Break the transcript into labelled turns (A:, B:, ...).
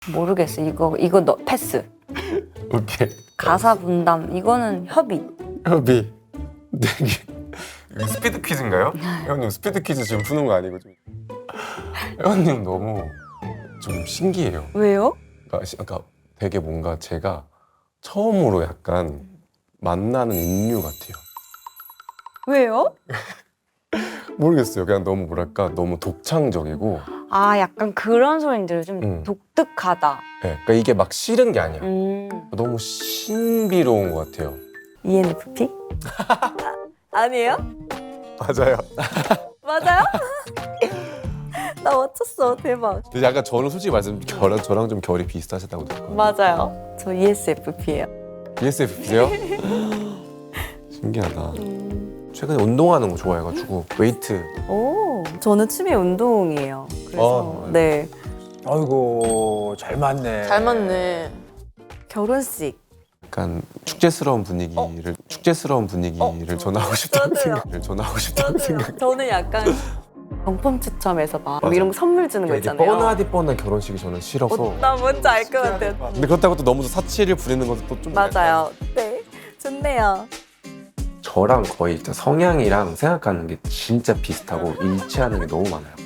A: 모르겠어. 이거 너 패스.
B: 오케이.
A: 가사 분담 이거는 협의.
B: 협의. 이게 스피드 퀴즈인가요? 회원님 스피드 퀴즈 지금 푸는 거 아니고 좀. 회원님 너무 좀 신기해요.
A: 왜요?
B: 그러니까 되게 뭔가 제가 처음으로 약간 만나는 인류 같아요.
A: 왜요?
B: 모르겠어요. 그냥 너무 뭐랄까 너무 독창적이고.
A: 아 약간 그런 소리들 좀 독특하다.
B: 네, 그러니까 이게 막 싫은 게 아니야.
A: 음.
B: 너무 신비로운 것 같아요.
A: ENFP? 아니에요?
B: 맞아요.
A: 맞아요? 나 맞췄어. 대박.
B: 근데 약간 저는 솔직히 말씀 저랑 좀 결이 비슷하셨다고 들었거든요.
A: 맞아요. 저 ESFP예요.
B: ESFP세요? 신기하다. 최근에 운동하는 거 좋아해가지고 웨이트.
A: 오, 저는 취미 운동이에요. 그래서 네.
C: 아이고 잘 맞네.
D: 잘 맞네.
A: 결혼식.
B: 약간 축제스러운 분위기를 전하고 싶다는 생각.
A: 저는 약간 경품 추첨해서 막 이런 거 선물 주는 거 있잖아요.
B: 뻔하디 뻔한 결혼식이 저는 싫어서.
A: 나 뭔지 알 것 같아요.
B: 근데 그렇다고 또 너무 사치를 부리는 것도 또 좀.
A: 맞아요. 네, 좋네요.
B: 저랑 거의 성향이랑 생각하는 게 진짜 비슷하고 일치하는 게 너무 많아요.